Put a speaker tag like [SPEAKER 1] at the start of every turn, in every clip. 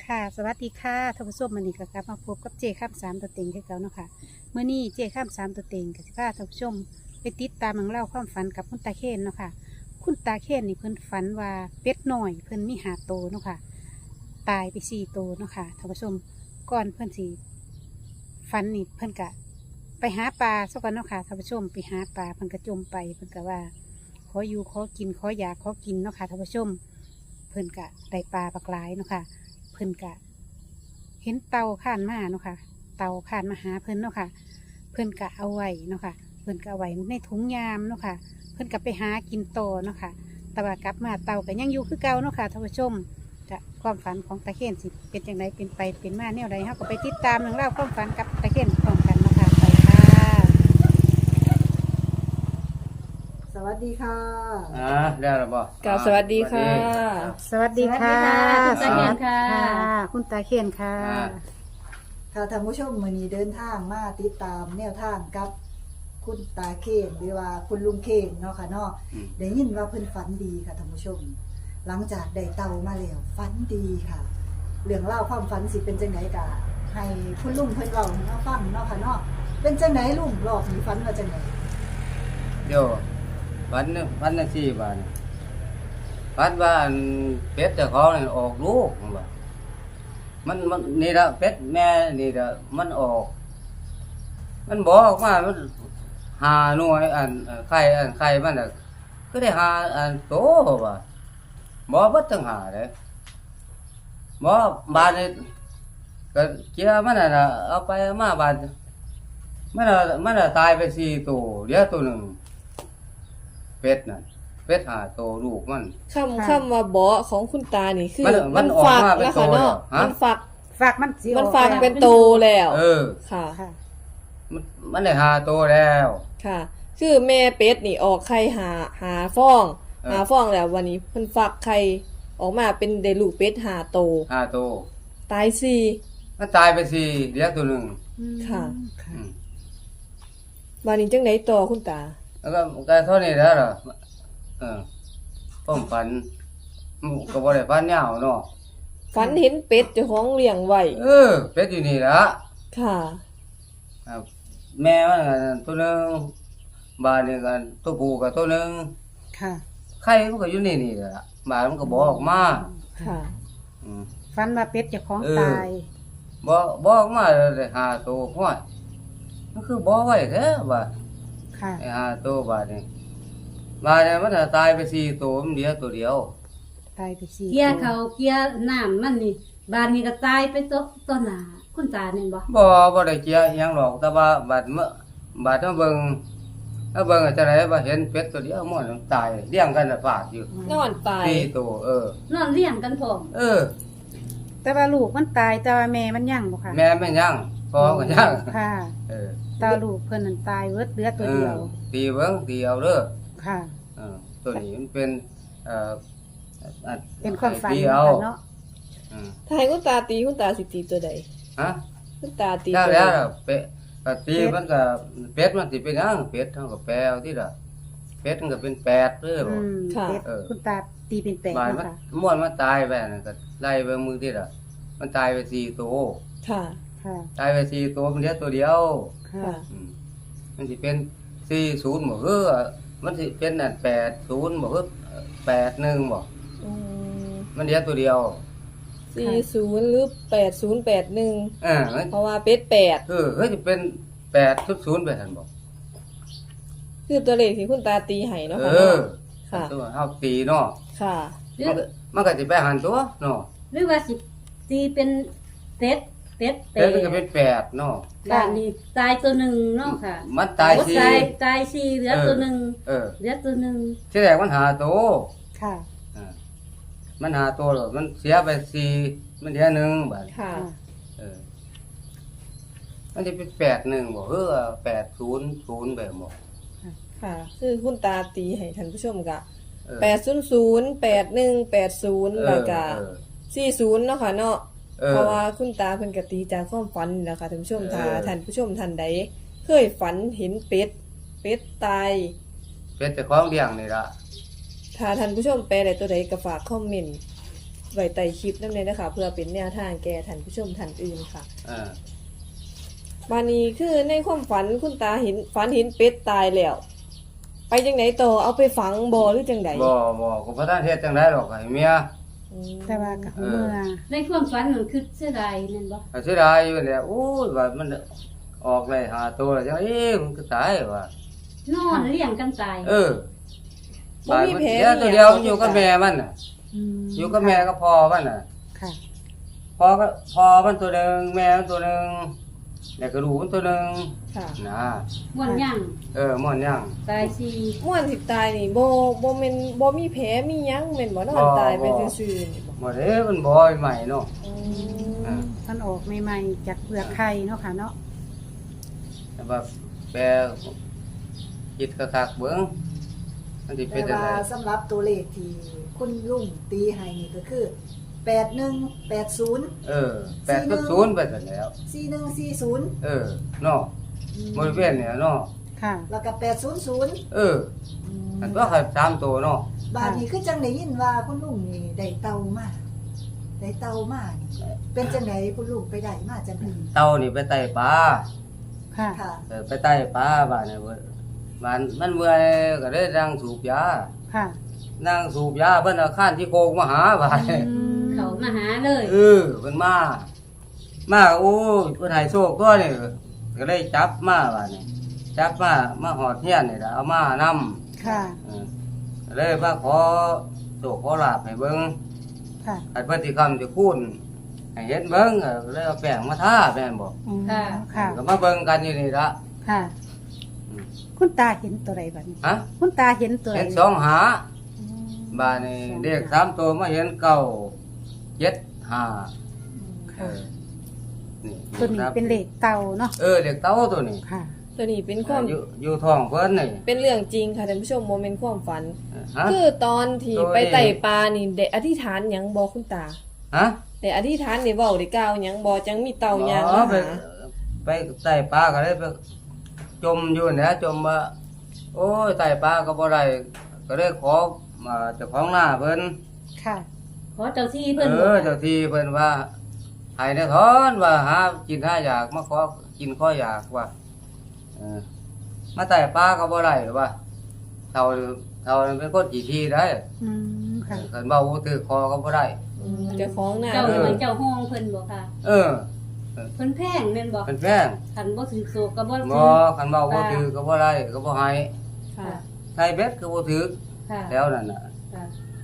[SPEAKER 1] ค่ะสวัสดีค่ะท่านผู้ชมมื้อนี้ก็กลับมาพบกับเจข้ามสามตัวเต็งคือเก่าเนาะค่ะมื้อนี้เจข้ามสามตัวเต็งก็สิพาท่านผู้ชมไปติดตามเรื่องเล่าวความฝันกับคุณตาเคนเนาะค่ะคุณตาเคนนี่เพิ่นฝันว่าเป็ดน้อยเพิ่นมี5 ตัวเนาะค่ะตายไป4 ตัวเนาะค่ะท่านผู้ชมก่อนเพิ่นสิฝันนี่เพิ่นก็ไปหาปลาซะก่อนเนาะค่ะท่านผู้ชมไปหาปลาเพิ่นก็จมไปเพิ่นก็ว่าขออยู่ขอกินขออยากขอกินเนาะค่ะท่านผู้ชมเพิ่นก็ได้ปลาปลากหลายเนาะค่ะเพิ่นก็เห็นเต่าข้านมาเนาะค่ะเต่าข้านมาหาเพิ่นเนาะค่ะเพิ่นก็เอาไว้เนาะค่ะเพิ่นก็เอาไว้ในถุงยามเนาะค่ะเพิ่นก็ไปหากินโตอเนาะค่ะแต่ว่ากลับมาเต่าก็ยังอยู่คือเก่าเนาะค่ะท่านผู้ชมจะความฝันของตาเคนสิเป็นอย่างไรเป็นไปเป็นมาแนวใดเฮาก็ไปติดตามเรื่องเล่าวความฝันกับตาเคนพร้อมกันเนาะค่ะไปค่ะ
[SPEAKER 2] สวัสดีค่ะ
[SPEAKER 3] ได้แล้วบ่
[SPEAKER 4] กราบสวัสดีค่ะ
[SPEAKER 1] สวัสดีค่ะ
[SPEAKER 2] สวัสดีค่ะ
[SPEAKER 1] คุณตาเคนค่ะ
[SPEAKER 2] ค่ะท่านผู้ชมมื้อนี้เดินทางมาติดตามแนวทางกับคุณตาเคนหรือว่าคุณลุงเคนเนาะค่ะเนาะได้ยินว่าเพิ่นฝันดีค่ะท่านผู้ชม หลังจากได้เต่ามาแล้วฝันดีค่ะ เรื่องเล่าวความฝันสิเป็นจังไดกะให้คุณลุงเพิ่นเล่าให้เราฟังเนาะค่ะเนาะเป็นจังไดลุงรอบนี้ฝันว่าจังได
[SPEAKER 3] เดี๋ยววันละ4 บาทวันว่าอันเป็ดเจ้าของนี่ออกลูกว่ามันนี่ละเป็ดแม่นี่ละมันออก มันบอกมามันหาหน่วยไข่มันน่ะก็ได้หาโตว่าบ่บ่ต้องหาเด้บ่บาดนี่ก็เจียมันน่ะเอาไปมาบาดมันตายไป4 ตัวเหลือตัวหนึงเป็ดน่ะเป็ด5 ตัวลูกมัน
[SPEAKER 4] คำว่าเบาะของคุณตานี่คือ
[SPEAKER 3] มันออก
[SPEAKER 4] ฝัก
[SPEAKER 3] มาเป็น
[SPEAKER 4] แล้ว
[SPEAKER 3] โต
[SPEAKER 4] ค่ะเนาะ
[SPEAKER 3] แล้วฮะ
[SPEAKER 4] มันฝัก
[SPEAKER 1] ฝากมันสิ
[SPEAKER 4] มันฝักเป็นโตแล้ว
[SPEAKER 3] เออ
[SPEAKER 4] ค่ะ
[SPEAKER 1] ค่ะ
[SPEAKER 3] มันได้5 ตัวแล้ว
[SPEAKER 4] ค่ะ คือแม่เป็ดนี่ออกไข่หาฟอง
[SPEAKER 3] เออ
[SPEAKER 4] หาฟองแล้ววันนี้เพิ่นฝักไข่ออกมาเป็นได้ลูกเป็ด5 โต
[SPEAKER 3] 5 ตัว
[SPEAKER 4] ตาย
[SPEAKER 3] มันตายไป4เหลือตัวหนึง
[SPEAKER 4] ค่ะ
[SPEAKER 3] อืม
[SPEAKER 4] วันนี้จังไดต่อคุณตา
[SPEAKER 3] แล้วก็เท่านี้แล้วเหรอผมฝันก็บ่ได้ฝันยาวเนาะ
[SPEAKER 4] ฝันเห็นเป็ดเจ้าของเลี้ยงไว้
[SPEAKER 3] เป็ดอยู่นี่ละ
[SPEAKER 4] ค่ะ
[SPEAKER 3] ครับแม่มันก็ตัวหนึงบ้านนี่ก็ตัวผู้ก็ตัวหนึง
[SPEAKER 1] ค่ะ
[SPEAKER 3] ไข่มันก็อยู่นี่ล่ะบ้านมันก็บ่ออกมา
[SPEAKER 4] ค่ะ
[SPEAKER 3] อืม
[SPEAKER 1] ฟันว่าเป็ดเจ้าของตาย
[SPEAKER 3] บ่ออกมาเลย5 ตัวห้อยมันคือบ่ไว้แท้ว่า
[SPEAKER 1] ค่ะ
[SPEAKER 3] ไอ้5 ตัวบาดนี่บาดนี่มันก็ตายไป4 ตัวมันเหลือตัวเดียว
[SPEAKER 1] ตายไปสี่
[SPEAKER 5] เกียร์เขาเกียร์น้ำมันนี่บานนี้ก็ตายไปต้นหนาคุณตาเนี่ยบ่
[SPEAKER 3] บ่ได้เจียอิหยังหรอกแต่ว่าบาดมาเบิ่งจังได๋ว่าเห็นเป็ดตัวเดียวมันตายเลี้ยงกันน่ะฝากอยู่
[SPEAKER 4] นอนตาย
[SPEAKER 3] 4 ตัวน
[SPEAKER 5] อนเลี้ยงกันพร้อม
[SPEAKER 1] แต่ว่าลูกมันตายแต่ว่าแม่มันยังบ่ค่ะ
[SPEAKER 3] แม่ไม่ยังพ่อก็ยัง
[SPEAKER 1] ค่ะ
[SPEAKER 3] เออ
[SPEAKER 1] ตาลูกเพิ่นนั่นตายเวิดเหลือตัวเดียว
[SPEAKER 3] ตีเบิ่งตีเอาเด้อ
[SPEAKER 1] ค่ะ
[SPEAKER 3] ตัวนี้มันเป็น
[SPEAKER 1] เป็นความฝัน
[SPEAKER 3] ตีเอา
[SPEAKER 1] เนาะ
[SPEAKER 4] ถ้าให้คุณตาตีคุณตาสิตีตัวใด
[SPEAKER 3] ฮะ
[SPEAKER 4] คุณตาตี
[SPEAKER 3] ถ้า
[SPEAKER 4] ตัว
[SPEAKER 3] แล้
[SPEAKER 4] ใด
[SPEAKER 3] วเป็ดก็ตีมันก็เป็ดมันสิเป็นหยังเป็ดเฮาก็แปลเอาที่ล่ะเป็ดมันก็เป็น8เด้อ
[SPEAKER 1] อื
[SPEAKER 3] บ่
[SPEAKER 1] มเป็ดคุณตาตีเป็นแปด
[SPEAKER 3] บาด
[SPEAKER 1] เนาะ
[SPEAKER 3] มัน
[SPEAKER 1] ค่ะ
[SPEAKER 3] ม่วนมันตายไปนั่นก็ไล่เบิ่งมือที่ล่ะมันตายไป4 ตัว
[SPEAKER 4] ค่ะ
[SPEAKER 1] ค่ะ
[SPEAKER 3] ตายไป4 ตัวมันเหลือตัวเดียว
[SPEAKER 1] ค่ะ
[SPEAKER 4] ค่ะ
[SPEAKER 3] มันสิเป็น40บ่คือมันสิเป็นนั่น80บ่คือ81บ่
[SPEAKER 4] อืม
[SPEAKER 3] มันเหลือตัวเดียว
[SPEAKER 4] 40หรือ8081
[SPEAKER 3] มัน
[SPEAKER 4] เพราะว่าเป็ด8
[SPEAKER 3] เฮ้ยสิเป็น8.0ไปหั่นบ่
[SPEAKER 4] คือตัวเลขที่คุณตาตีให้เนาะค่ะ ค่ะ
[SPEAKER 3] ตัวเฮาตีเนาะ
[SPEAKER 4] ค่ะ
[SPEAKER 5] หรือ
[SPEAKER 3] มันก็สิไปหันตัวเนาะ
[SPEAKER 5] หรือว่าสิตีเป็นเป็ด
[SPEAKER 3] แต่มันก็เป็น8เนาะ
[SPEAKER 5] บานนี้ตายตัวหนึ่งเนาะค่ะ
[SPEAKER 3] มันตาย
[SPEAKER 5] โอ้
[SPEAKER 3] สิ
[SPEAKER 5] ตายสี่เหลือตัวหนึ่ง
[SPEAKER 3] เออ
[SPEAKER 5] เหลือตัวหนึ่ง
[SPEAKER 3] ที่แรกมันหาตัว
[SPEAKER 1] ค่ะ
[SPEAKER 3] มันหาตัวแล้วมันเสียไป4มันเหลือ1บาด
[SPEAKER 4] ค่ะ
[SPEAKER 3] เออมันสิเป็น81บ่800แบบบ่
[SPEAKER 4] ค่ะ คือคุณตาตีให้ท่านผู้ชมกะ
[SPEAKER 3] เออ
[SPEAKER 4] 800 8180แล้วก็
[SPEAKER 3] เออ
[SPEAKER 4] 40เนาะค่ะเนาะ
[SPEAKER 3] เออ
[SPEAKER 4] เพราะว่าคุณตาเพิ่นก็ตีจากความฝันนี่แหละค่ะท่านผู้ชมถ้า
[SPEAKER 3] เออ
[SPEAKER 4] ท่านผู้ชมท่านใดเคยฝันเห็นเป็ดตาย
[SPEAKER 3] เป็นแต่ของเลี้ยงนี่ล่ะ
[SPEAKER 4] ถ้าท่านผู้ชมแปลได้ตัวใดก็ฝากคอมเมนต์ไว้ใต้คลิปนำเลยนะคะเพื่อเป็นแนวทางแก่ท่านผู้ชมท่านอื่นค่ะ
[SPEAKER 3] เออ
[SPEAKER 4] บานี้คือในความฝันคุณตาเห็นฝันเห็นเป็ดตายแล้ว ไปจังไหนต่อเอาไปฝังบ่หรือจังได
[SPEAKER 3] บ่ก็บ่ทันเฮ็ดจังได๋หรอกให้เมีย
[SPEAKER 4] อืม
[SPEAKER 1] แต่ว่ากับเมื่อ
[SPEAKER 5] ในความฝันนั่นคือเสียดายแม่นบ่
[SPEAKER 3] ก็เสียดายอยู่แหละโอ้ยว่ามันออกเลยหาตัวแล้วจังมันก็ตายว่ะ
[SPEAKER 5] นอนเลี้ยงกันตาย
[SPEAKER 3] เออ
[SPEAKER 4] บ่มีแผล
[SPEAKER 3] เสียตัวเดียวมันอยู่กับแม่มันน่ะ
[SPEAKER 1] ม
[SPEAKER 3] อยู่กับแม่ก็พอมันน่ะ
[SPEAKER 1] ค่ะ
[SPEAKER 3] พอก็พอมันตัวหนึงแม่มันตัวหนึงแล้วก็ลูกมันตัวหนึง
[SPEAKER 4] ค่ะ
[SPEAKER 3] นะ
[SPEAKER 5] ม่วนย่าง
[SPEAKER 3] ม่วนยัง
[SPEAKER 5] ตายสิ
[SPEAKER 4] ม่วนสิตายนี่บ่แม่นบ่มีแผลมีหยังแม่นบ่นอนตายไปซื่อๆนี่บ่
[SPEAKER 3] บ่เด้มันบ่ใหม่เนาะ
[SPEAKER 4] อื
[SPEAKER 3] อ่า
[SPEAKER 4] ม
[SPEAKER 1] มันออกใหม่ๆจากเปลือกไข่เนาะค่ะเนาะ
[SPEAKER 3] แต่ว่าแปลคิดคักๆเบิ่งมันสิเป็
[SPEAKER 2] แต่
[SPEAKER 3] นจัง
[SPEAKER 2] ว่า
[SPEAKER 3] ได๋
[SPEAKER 2] สำหรับตัวเลขที่คุณลุงตีให้นี่ก็คือ8180
[SPEAKER 3] 8.0ไปซั่นแล้ว
[SPEAKER 2] 4140
[SPEAKER 3] เนาะบริเวณเนี่ยเนาะ
[SPEAKER 1] ค่ะ
[SPEAKER 2] แล้วก็800
[SPEAKER 3] อันว่าเขา3ตัวเนาะ
[SPEAKER 2] บาดนี้คือจังได้ยินว่าคุณลุงนี่ได้เตามาได้เตามานี่เป็นจังไดคุณลุงไปได้มาจังได
[SPEAKER 3] เต่านี่ไปไต่ปลา
[SPEAKER 1] ค่ะ
[SPEAKER 2] ค่ะ
[SPEAKER 3] ไปไต่ปลาบ้านเนี่ยเว้ยมันเมื่อยก็ได้นั่งสูบยา
[SPEAKER 1] ค่ะ
[SPEAKER 3] นั่งสูบยาเพิ่นเอาข้านที่โคงมาหาบ้าน
[SPEAKER 5] เขามาหาเลย
[SPEAKER 3] เพิ่นมาโอ้ยเพิ่นให้โชคตัวนี่ก็เลยจับมาบ้านนี่จับมาหอดเฮียนนี่ล่ะเอามานำ
[SPEAKER 1] ค่ะ
[SPEAKER 3] ก็เลยมาขอโชคขอลาภให้เบิ่ง
[SPEAKER 1] ค่ะ
[SPEAKER 3] ให้เพิ่นสิคำสิคูณให้เห็นเบิ่งก็เลยเอาแป้งมาทาแม่นบ่
[SPEAKER 1] อืมค่ะ
[SPEAKER 3] ก็มาเบิ่งกันอยู่นี่ละ
[SPEAKER 1] ค่ะ คุณตาเห็นตัวไรบัดนี้
[SPEAKER 3] ฮะ
[SPEAKER 1] คุณตาเห็นตัวไร
[SPEAKER 3] เห็นสองหาบ้านนี่เด็ก3ตัวมาเห็น9 7 5เอ
[SPEAKER 1] ค่ะ
[SPEAKER 3] อนี่
[SPEAKER 1] ตัวนี้เป็นเหล็กเตาเนาะ
[SPEAKER 3] เด็กเต้าตัวนี้
[SPEAKER 1] ค่ะ
[SPEAKER 4] ตัวนี้เป็นความ
[SPEAKER 3] อยู่ท้องเพิ่นนี่
[SPEAKER 4] เป็นเรื่องจริงค่ะท่านผู้ชมบ่แม่นความฝัน
[SPEAKER 3] ฮะ
[SPEAKER 4] คือตอนที่
[SPEAKER 3] โดย
[SPEAKER 4] ไปไต่ปลานี่ได้อธิษฐานหยังบ่คุณตา
[SPEAKER 3] ฮะ
[SPEAKER 4] ได้อธิษฐานได้เว้าได้กล่าวหยังบ่จังมีเต่ายาง
[SPEAKER 3] อ๋อ
[SPEAKER 4] มา
[SPEAKER 3] ไป
[SPEAKER 4] หา
[SPEAKER 3] ไต่ปลาก็เลยไปจมอยู่เนี่ยจมว่าโอ้ยไต่ปลาก็บ่ได้ก็เลยขอมาเจ้าของหน้าเพิ่น
[SPEAKER 1] ค่ะ
[SPEAKER 5] ขอเจ้าที่เพิ่นบอก
[SPEAKER 3] เจ้าที่เพิ่นว่าให้ได้ถอนว่าหากินหาอยากมาขอกินขออยากว่ามาไต่ปลาก็บ่ได้หรือว่าเท่าเป็นคนกี่ทีได้
[SPEAKER 1] อืมค่ะ
[SPEAKER 3] คันเว้าบ่ถือคอก็บ่ได้
[SPEAKER 4] เจ้าของหน้า
[SPEAKER 5] เจ้าเหมือนเจ้าห้องเพิ่นบ่ค่ะ
[SPEAKER 3] เออ
[SPEAKER 5] เพิ่นแพงแม่นบ่
[SPEAKER 3] เป็นแพง
[SPEAKER 5] คันบ่ถือโศกก็บ่
[SPEAKER 3] บ่
[SPEAKER 5] ถือ
[SPEAKER 3] คันเว้าบ่ถือก็บ่ได้ก็บ่ให้
[SPEAKER 4] ค่ะ
[SPEAKER 3] ใส่เบ็ดก็บ่ถือ
[SPEAKER 5] ค่ะ
[SPEAKER 3] แล้วนั่นน่ะ
[SPEAKER 5] ค่ะ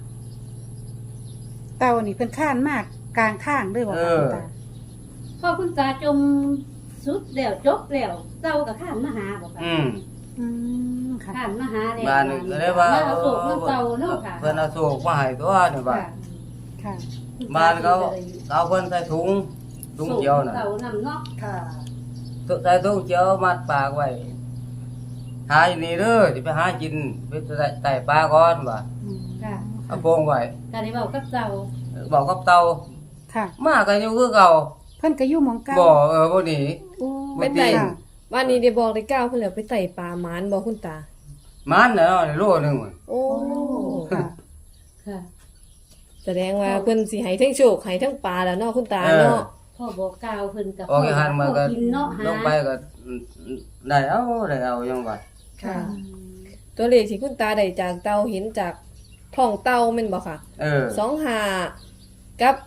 [SPEAKER 1] เตานี่เพิ่นข้านมากกลางข้างด้วยบ่คะคุณตา
[SPEAKER 5] พอคุณตาจมสุดแล้วจบแล้วเจ้าก็ข้ามมาหาบ่ค่ะ
[SPEAKER 1] อืมค่ะ
[SPEAKER 5] ข้ามมาหาแล้ว
[SPEAKER 3] บ้านนี่ก็เลยว่า
[SPEAKER 5] มาเอาโศกมันเจ้าเนาะค่ะ
[SPEAKER 3] เพิ่นเอาโศกมาให้ตัวนี่บ้าน
[SPEAKER 1] ค่ะ
[SPEAKER 3] บ้านเขาเอาเพิ่นใส่ถุงเขียวน่ะ
[SPEAKER 5] เจ้านำเนาะ
[SPEAKER 2] ค่ะ
[SPEAKER 3] ใส่ถุงเขียวมัดปากไว้หาอยู่นี่เด้อสิไปหากินไปไต่ปลาก่อนว่า
[SPEAKER 1] อืม
[SPEAKER 5] ค่ะ
[SPEAKER 3] เอาโปงไว้
[SPEAKER 5] ก็ได้เว้ากับเจ้า
[SPEAKER 3] บอกกับเต่า
[SPEAKER 1] ค่ะ
[SPEAKER 3] มาก็อยู่คือเก่า
[SPEAKER 1] เพิ่นก็อยู่หมองเก่า
[SPEAKER 3] บ่บ่หนี
[SPEAKER 1] โอ้
[SPEAKER 4] ไปไต่
[SPEAKER 1] ค่ะ
[SPEAKER 4] วันนี้ได้บอกได้กล่าวเพิ่นแล้วไปไต่ปลาหมานบ่คุณตา
[SPEAKER 3] มันน่ะเนาะในโลนึงมัน
[SPEAKER 4] โอ้
[SPEAKER 1] โอ้ค่ะ
[SPEAKER 5] ค่ะ
[SPEAKER 4] แสดงว่าเพิ่นสิให้ทั้งโชคให้ทั้งปลาแล้วเนาะคุณตาเนาะ
[SPEAKER 5] พ่อบอกกล่าวเพิ่นกับ
[SPEAKER 3] ออกอีหันมาก็
[SPEAKER 5] กินเนาะหา
[SPEAKER 3] ลงไปก็ได้เอายังว่า
[SPEAKER 4] ค่ะ ตัวเลขที่คุณตาได้จากเตาเห็นจากท้องเตาแม่นบ่ค่ะ 25กับ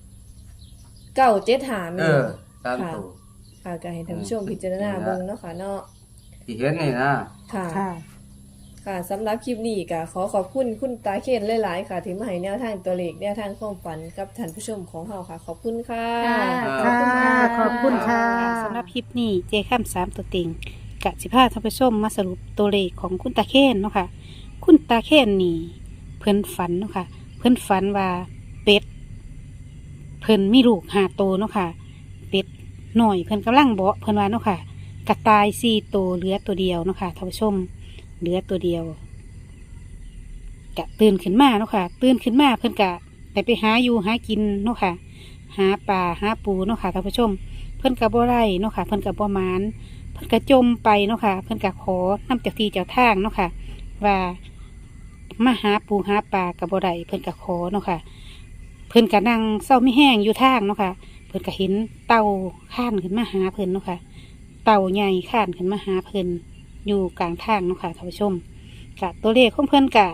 [SPEAKER 4] 975แม่นบ่
[SPEAKER 3] ตามตัว
[SPEAKER 4] ค่ะก็ให้ท่านผู้ชมพิจารณาเบิ่งเนาะค่ะเนาะ
[SPEAKER 3] ที่เห็นนี่นะ
[SPEAKER 4] ค่ะ
[SPEAKER 1] ค่ะ
[SPEAKER 4] ค่ะสำหรับคลิปนี้ก็ขอขอบคุณคุณตาเคนหลายๆค่ะ ที่มาให้แนวทางตัวเลขแนวทางความฝันกับท่านผู้ชมของเราค่ะ ขอบคุณค่ะ
[SPEAKER 5] ค่ะ
[SPEAKER 1] ค่ะ ขอบคุณค่ะสำหรับคลิปนี้เจข้าม3ตัวเต็งกะสิพาท่านผู้ชมมาสรุปตัวเลขของคุณตาเคนเนาะค่ะ คุณตาเคนนี่เพิ่นฝันเนาะค่ะ เพิ่นฝันว่าเป็ดเพิ่นมีลูก5ตัวเนาะค่ะ เป็ดหน่อยเพิ่นกำลังเบาะเพิ่นว่าเนาะค่ะกระต่าย4ตัวเหลือตัวเดียวเนาะค่ะท่านผู้ชมเหลือตัวเดียวกะตื่นขึ้นมาเนาะค่ะ ตื่นขึ้นมาเพิ่นกะไปหาอยู่หากินเนาะค่ะ หาปลาหาปูเนาะค่ะท่านผู้ชม เพิ่นกะบ่ได้เนาะค่ะ เพิ่นกะบ่มานเพิ่นกะจมไปเนาะค่ะ เพิ่นกะขอน้ำเจ้าที่เจ้าทางเนาะค่ะ ว่ามาหาปูหาปลากะบ่ได้เพิ่นกะขอเนาะค่ะเพิ่นก็นั่งเศร้าไม่แห้งอยู่ทางเนาะค่ะเพิ่นก็เห็นเต่าข้านขึ้นมาหาเพิ่นเนาะค่ะเต่าใหญ่ข้านขึ้นมาหาเพิ่นอยู่กลางทางเนาะค่ะท่านผู้ชมกะตัวเลขของเพิ่นกะ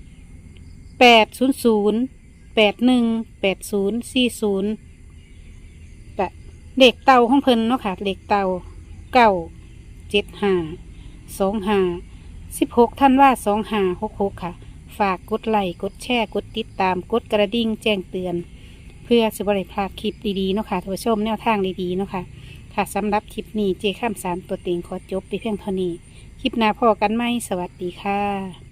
[SPEAKER 1] 800 81 80 40กะเลขเต่าของเพิ่นเนาะค่ะเลขเต่า9752516 ท่านว่า2566ค่ะฝากกดไลค์กดแชร์กดติดตามกดกระดิ่งแจ้งเตือนเพื่อสิบริพลาดคลิปดีๆเนาะค่ะท่านผู้ชมแนวทางดีๆเนาะค่ะค่ะสำหรับคลิปนี้เจข้าม3ตัวเต็งขอจบไปเพียงเท่านี้คลิปหน้าพอกันไหมสวัสดีค่ะ